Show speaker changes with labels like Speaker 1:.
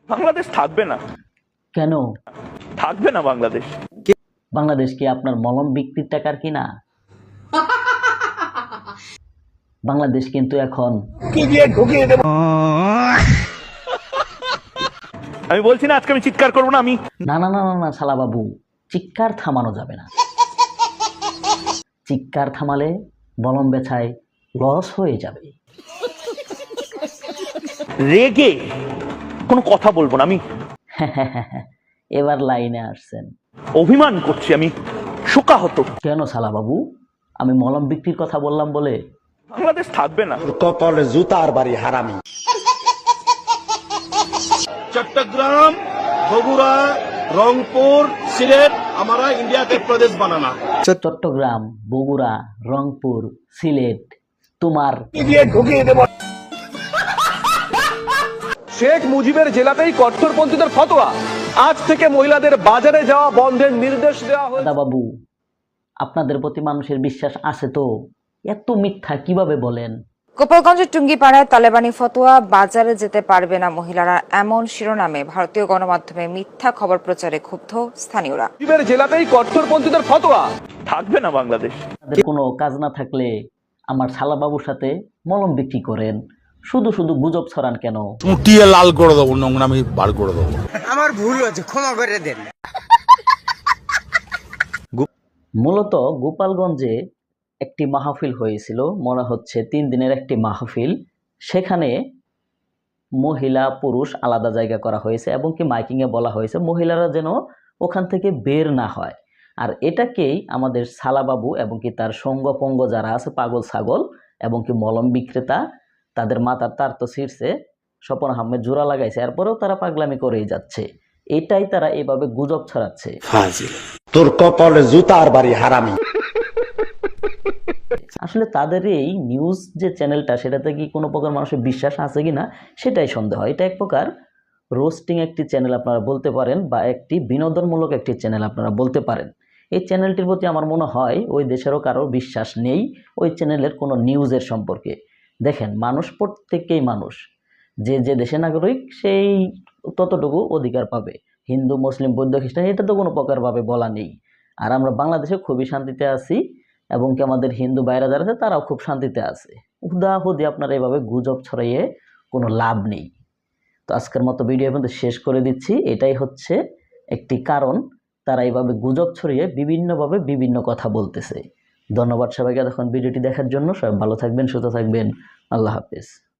Speaker 1: বাংলাদেশ থাকবে না।
Speaker 2: কেন
Speaker 1: থাকবে না বাংলাদেশ।
Speaker 2: বাংলাদেশ কি আপনার মলম বিক্রির টাকার কিনা? বাংলাদেশ কিন্তু এখন
Speaker 1: আমি বলছি না আজকে আমি চিৎকার করবো না। আমি
Speaker 2: না না না না না শালা বাবু, চিৎকার থামানো যাবে না। চিৎকার থামালে মলম বেচায় লস হয়ে যাবে।
Speaker 1: রেগে কোনো কথা বলবো না। আমি
Speaker 2: এবার লাইনে আসছেন।
Speaker 1: অভিমান করছি, আমি শোকাহত।
Speaker 2: কেন শালা বাবু, আমি মলম বিক্রির কথা বললাম বলে?
Speaker 1: বাংলাদেশ থাকবে না।
Speaker 3: কপালে জুতার বাড়ি হারামি।
Speaker 4: चट्टग्राम, बगुड़ा, रंगपुर, सिलेट हमारा इंडिया का प्रदेश बनाना।
Speaker 2: চট্টগ্রাম, বগুড়া, রংপুর, সিলেট তোমার।
Speaker 5: শেখ মুজিবের জেলাতেই কট্টরপন্থীদের ফতোয়া, আজ থেকে মহিলাদের বাজারে যাওয়া বন্ধের নির্দেশ দেওয়া হয়েছে।
Speaker 2: দাদা বাবু, আপনাদের প্রতি মানুষের বিশ্বাস আছে তো? এত মিথ্যা কিভাবে বলেন?
Speaker 6: গোপালগঞ্জের টুঙ্গিপাড়ায় তালেবানি ফতোয়া, বাজারে যেতে পারবে না মহিলারা, এমন শিরোনামে ভারতীয় গণমাধ্যমে মিথ্যা খবর প্রচারে ক্ষুব্ধ স্থানীয়রা।
Speaker 5: মুজিবের জেলাতেই কট্টরপন্থীদের ফতোয়া।
Speaker 1: থাকবে না বাংলাদেশ।
Speaker 2: আপনাদের কোনো কাজ না থাকলে আমার শালা বাবুর সাথে মলম বিক্রি করেন, শুধু শুধু গুজব ছড়ান কেন?
Speaker 7: উঠিয়ে লাল করে দেবো, নোংরামি বার করে দেবো।
Speaker 8: আমার ভুল হয়েছে, ক্ষমা করে দেন।
Speaker 2: মূলত গোপালগঞ্জে একটি মাহফিল হয়েছিল, মনে হচ্ছে 3 দিনের একটি মাহফিল। সেখানে মহিলা পুরুষ আলাদা জায়গা করা হয়েছে এবং কি মাইকিংয়ে বলা হয়েছে মহিলারা যেন ওখান থেকে বের না হয়। আর এটাকেই আমাদের শালাবাবু এবং কি তার সঙ্গপঙ্গ যারা আছে, পাগল ছাগল এবং কি মলম বিক্রেতা, তাদের মাথার তার তো ছিঁড়ছে, স্বপন আহমেদ জোড়া লাগাইছে, এরপরেও তারা পাগলামি করেই যাচ্ছে। এটাই তারা এভাবে গুজব ছড়াচ্ছে।
Speaker 3: তোর কপালে জুতার বাড়ি হারামি।
Speaker 2: আসলে তাদের এই নিউজ যে চ্যানেলটা, সেটাতে কি কোনো প্রকার মানুষের বিশ্বাস আছে কিনা সেটাই সন্দেহ। এটা এক প্রকার রোস্টিং একটি চ্যানেল আপনারা বলতে পারেন, বা একটি বিনোদনমূলক একটি চ্যানেল আপনারা বলতে পারেন। এই চ্যানেলটির প্রতি আমার মনে হয় ওই দেশেরও কারোর বিশ্বাস নেই ওই চ্যানেলের কোনো নিউজের সম্পর্কে। দেখেন, মানুষ প্রত্যেকেই মানুষ, যে যে দেশের নাগরিক সেই ততটুকু অধিকার পাবে। হিন্দু, মুসলিম, বৌদ্ধ, খ্রিস্টান এটা তো কোনো প্রকারভাবে বলা নেই। আর আমরা বাংলাদেশে খুবই শান্তিতে আছি এবং কি আমাদের হিন্দু ভাইরা যারা আছে তারাও খুব শান্তিতে আছে। হুদাহুদি আপনারা এভাবে গুজব ছড়াইয়ে কোনো লাভ নেই। তো আজকের মতো ভিডিও কিন্তু শেষ করে দিচ্ছি। এটাই হচ্ছে একটি কারণ তারা এইভাবে গুজব ছড়িয়ে বিভিন্নভাবে বিভিন্ন কথা বলতেছে। ধন্যবাদ সবাইকে এতক্ষণ ভিডিওটি দেখার জন্য। সবাই ভালো থাকবেন, সুস্থ থাকবেন। আল্লাহ হাফেজ।